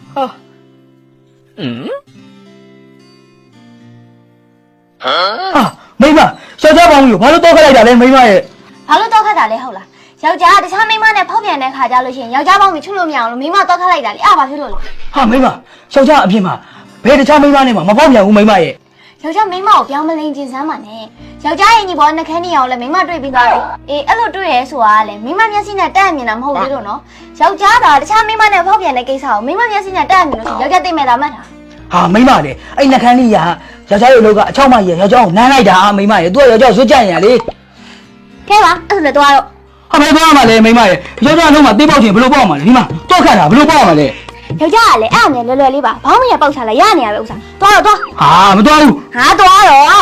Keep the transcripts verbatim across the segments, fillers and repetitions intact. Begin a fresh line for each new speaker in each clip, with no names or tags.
ဟာဟမ်ဟာမိမယောက်ျားပေါင်းလို့ဘာလို့တော့ခက်လိုက်တာလဲမိမရဲ့
ဘာလို့တော့ခက်တာလဲဟုတ်လားယောက်ျားတခြားမိန်းမနဲ့ဖောက်ပြန်တဲ့ခါကြလို့ရှိရင်ယောက်ျားပေါင်းပြီးချွတ်လို့မရအောင်လို့မိန်းမတော့ခက်လိုက်တာလေအဲ့ဘာဖြစ်လို့လဲ
ဟာမိမယောက်ျားအပြင်မှာဘယ်တခြားမိန်းမနဲ့မှမဖောက်ပြန်ဘူးမိမရဲ့
ယောက်ျားမိန်းမကိုပြောင်းမလိန်ကျင်စမ်းပါနဲ့ယောက်ျားရဲ့ညီပေါ်နှခမ်းနေအောင်လဲမိန်းမတွေ့ပြီးသွားတယ်အေးအဲ့လိုတွေ့ရဲဆိုတာကလေမိန်းမမျက်စိနဲ့တက်အမြင်တာမဟုတ်သေးလို့နော်ယောက်ျားကတခြားမိန်းမနဲ့ဖောက်ပြန်တဲ့ကိစ္စကိုမိန်းမမျက်စိနဲ့တက်အမြင်လို့ဆိုယောက်ျားသိမဲ့တာမှတ်တာ
ဟာမိမလေအဲ့နှခမ်းလေးရာယောက်ျားရဲ့အလုပ်ကအချောက်မကြီးယောက်ျားကိုနမ်းလိုက်တာမိမရဲ့သူကယောက်ျားကိုစွတ်ကြရလေ
ကဲပါအဲ့ဒါလည်းတော့
ဟာဘယ်သွားမှာလဲမိမရဲ့ယောက်ျားလုံးမှာတေးပေါက်ချင်ဘယ်လိုပေါက်မှာလဲဒီမှာတော့ခတ်တာဘယ်လိုပေါက်မှာလဲ
ယောက်ျားကလည်းအဲ့အမြင်လွယ်လွယ်လေးပါဘောင်းမရပေါက်ချလာရနေရပဲဥစ္စာသွားတော့သွား
ဟာမသွားဘူး
ဟာသွားတော့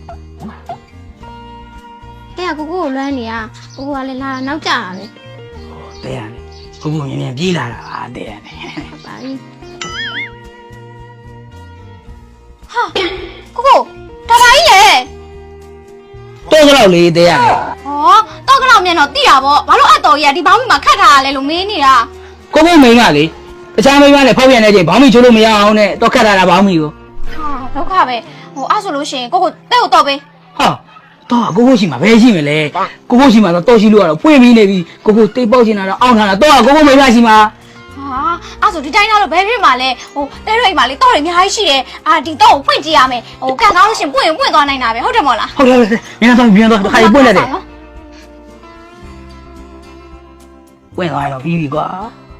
တဲ့ကကိုကိုကိုလွမ်းနေရကိုကိုကလည်းလာနောက်ကျတာပဲ
တဲ့ရတယ်ကိုကိုမြင်မြင်ပြေးလာတာဟာတဲ့ရတယ်
ပါပြီ
ဟာကိုကိုဒါပါကြီးလေ
တော့ကတော့လေတဲ့ရတယ်
ဟောတော့ကတော့မြန်တော့တိတာပေါ့ဘာလို့အတော်ကြီးကဒီဘောင်းမီမှာခတ်ထားရလဲလို့မင်းနေတာ
ကိုကိုမိန်ကလေတခြားမိန်းမနဲ့ဖောက်ပြန်နေချိန်ဘောင်းမီချိုးလို့မရအောင်နဲ့တော့ခတ်ထားတာဘောင်းမီကို
ဟာဒုက္ခပဲဟိုအဲ့ဆိုလို့ရှိရင်ကိုကိုတဲ့ကိုတော့ပေး
ဟာတော့ကိုကိုရှိမှာဘယ်ရှိမလဲကိုကိုရှိမှာတော့တော့ရှိလို့ကတော့ဖွင့်ပြီးနေပြီကိုကိုတေးပေါက်ချင်တာတော့အောင်းထားတာတော့ကိုကိုမိန်းမရှိမှာ
ဟာအဲ့ဆိုဒီတိုင်းတော့ဘယ်ဖြစ်မှာလဲဟိုတဲရိတ်မှာလေတော့ရအများကြီးရှိတယ်အာဒီတော့ကိုဖွင့်ကြည့်ရမယ်ဟိုကန်ကောင်းလို့ရှိရင်ပွင့်ပွင့်သွားနိုင်တာပဲဟုတ်တယ်မို့လား
ဟုတ်တယ်ဟုတ်တယ်မင်းတော့ပြန်တော့ခါရီပွင့်လိုက်တယ်ပွင့်သွားတော့ပြီးပြီကွာ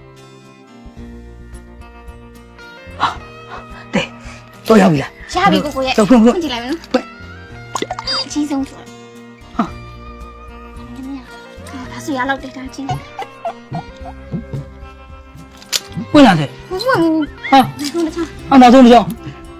တဲ့တော့ရောက်ပြီလား
ရပြီကိုကိုရဲ့
တော့ဖွင့်ဖွင့်
ကြည့်လိုက်မယ်နော်ဖွင့်အချင်းဆုံးဆိုဟာဒါဆိုရလောက်တဲ့တာချင်း
ပွင့်လာတယ်
မပွင့်ဘူး
ဟာဟာနောက်ဆုံးတစ်ချောင်း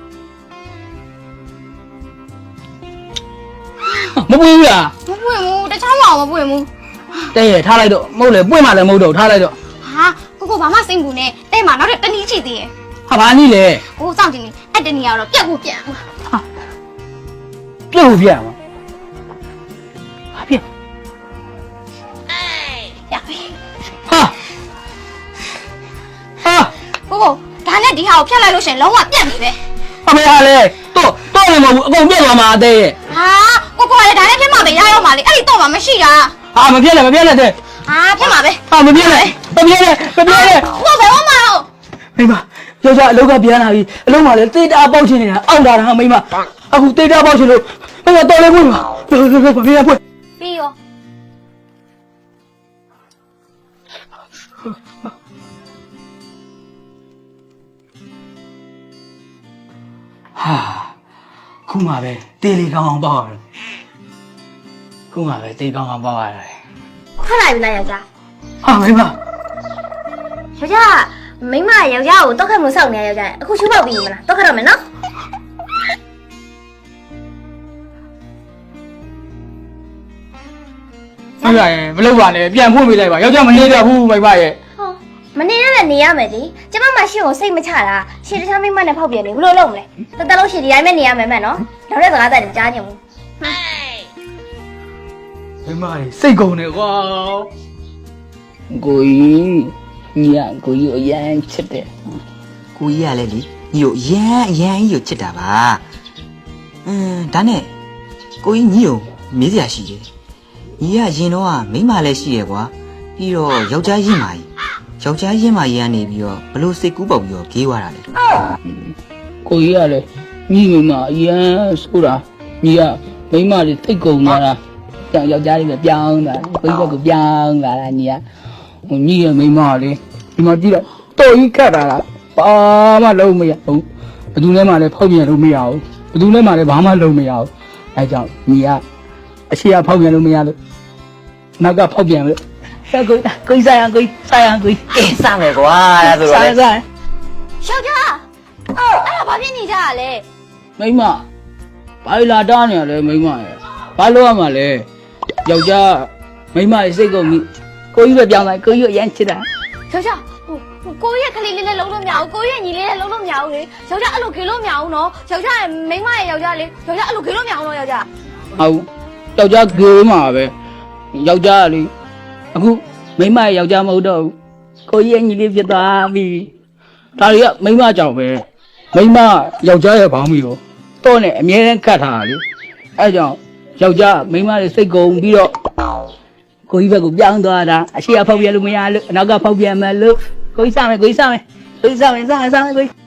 မပွင့်ဘူးလား
မပွင့်ဘူးတခြားမအောင်မပွင့်ဘူး
တဲ့ရထားလိုက်တော့မဟုတ်လေပွင့်မှလည်းမဟုတ်တော့ထားလိုက်တော့
ဟာကိုကိုဘာမှစိတ်ဘူးနဲ့တဲ့မှာနောက်ထပ်တနည်းချီသေးရဲ့
ဟာဘာနည်းလဲ
ဟိုစောင့်ကြည့်နေအဲ့တနည်းကတော့ပြက်ဖို့ပြန်ဟာ
ပြက်ဖို့ပြန်ပါဟာပြက်
ရပြီ
ဟာဟာ
ကိုကိုဒါနဲ့ဒီဟာကိုဖျက်လိုက်လို့ရှင်လုံးဝပြက်ပြီပဲ
အမေဟာလေတော့တော့လည်းမဟုတ်ဘူးအကုန်ပြက်သွားမှာအသေးရဲ့
ဟာကိုကိုကလည်းဒါနဲ့ပြက်မှာပဲရရောက်မှာလေအဲ့ဒီတော့မှမရှိတာ
ဟာမပြက်လည်းမပြက်လည်းတဲ့
ဟာပြက်မှာပဲ
ဟာမပြက်လည်းမပြက်လည်းမပြက်လည်း
ကိုဘယ်မှာမဟုတ်
မိမယောက်ျားအလုပ်ကပြန်လာပြီအလုံးမှာလည်းတေးတာပေါက်ချင်နေတာအောက်တာဟာမိမအခုတေးတာပေါက်ချင်လို့မိမတော်လေးပွင့်ပါဘယ်လိုလဲဘာဖြစ်လဲပွင့်
ပြီးရော
ဟာခုမှပဲတေးလေးကောင်းအောင်ပေါက်ရတယ်ခုမှပဲတေးကောင်းအောင်ပေါက်ရတယ်
ခွက်လိုက်ပြီလားယောက်ျား
ဟာမိမ
ယောက်ျားမိမယောက်ျားကိုတော့ခက်မှုစောက်နေယောက်ျားအခုရှုပ်ပေါက်ပြီးမလားတော့ခက်တော့မယ်နော်
ဟုတ်ပါရဲ့မလုပ်ပါနဲ့ပြန်ဖွင့်ပေးလိုက်ပါယောက်ျားမနေရဘူးမိမရဲ့
ဟောမနေရလည်းနေရမယ်ဒီကျမမှရှင်းကိုစိတ်မချတာရှင်းတခြားမိမနဲ့ဖောက်ပြန်နေဘယ်လိုလုပ်မလဲတတလုံးရှင်းဒီတိုင်းပဲနေရမယ်မဲ့နော်နောက်တဲ့စကားတက်ကြားညင်ဘူး
မိမရဲ့စိတ်ကုန်နေကွာကိုကြီးညီကကိုကြီးကိုအရန်ချစ်တယ်
ကိုကြီးကလည်းလေညီကိုအရန်အရန်ကြီးကိုချစ်တာပါအင်းဒါနဲ့ကိုကြီးညီကိုမေးစရာရှိတယ်ညီကရင်တော့မိန်းမလည်းရှိရကွာပြီးတော့ယောက်ျားရင်းမာကြီးယောက်ျားရင်းမာကြီးကနေပြီးတော့ဘလို့စိတ်ကူးပေါက်ပြီးတော့ဂေးသွားတာလေ
ကိုကြီးကလည်းညီမိန်းမအရန်ဆိုတာညီကမိန်းမတွေတိတ်ကုန်နေတာကြောင်ယောက်ျားတွေပဲပြောင်းတာကိုကြီးကကိုပြောင်းလာတာညီကဟိုညီရဲ့မိန်းမလေးဒီမှာကြည့်လိုက်တော်ကြီးခတ်တာလားဘာမှလုံးမရဘူးဘယ်သူလဲမှလည်းဖောက်ပြန်လို့မရဘူးဘယ်သူလဲမှလည်းဘာမှလုံးမရဘူးအဲကြောင့်ညီကအရှိကဖောက်ပြန်လို့မရလို့နောက်ကဖောက်ပြန်လို့ဆက်ကိုကိုဆိုင်အောင်ကိုဆိုင်အောင်ကို
အေးစမယ်ကွာဒါဆိုတော့လေ
ယောက်ျားအော်အဲ့ဒါဘာဖြစ်နေကြရလဲ
မိန်းမဘာလာတားနေရလဲမိန်းမရဲ့ဘာလို့ရမှာလဲယောက်ျားမိန်းမရဲ့စိတ်ကုန်ပြီကိုကြီးပဲပြောင်းလိုက်ကိုကြီးကိုအရင်ချစ်တာ
ယောက်ျားဟိုကိုရဲ့ကလေးလေးလည်းလုံးလို့မရဘူးကိုရဲ့ညီလေးလည်းလုံးလို့မရဘူးလေယောက်ျားအဲ့လိုခေလို့မရဘူးနော်ယောက်ျားရဲ့မိန်းမရဲ့ယောက်ျားလေးယောက်ျားအဲ့လိုခေလို့မရဘူးနော်ယောက်ျား
ဟုတ်ယောက်ျားခေမှာပဲယောက်ျားလေအခုမိန်းမရဲ့ယောက်ျားမဟုတ်တော့ဘူးကိုကြီးရဲ့ညီလေးဖြစ်သွားပြီဒါတွေကမိန်းမကြောင့်ပဲမိန်းမယောက်ျားရဲ့ဘောင်းမီကိုတော့နဲ့အမြဲတမ်းကတ်ထားတာလေအဲကြောင့်ယောက်ျားမိန်းမတွေစိတ်ကုန်ပြီးတော့ကိုကြီးဘက်ကိုပြောင်းသွားတာအရှိအဖောက်ပြလို့မရလို့အနောက်ကဖောက်ပြန်မယ်လို့ကိုကြီးစမယ်ကိုကြီးစမယ်ကိုကြီးစမယ်စမယ်စမယ်ကိုကြီး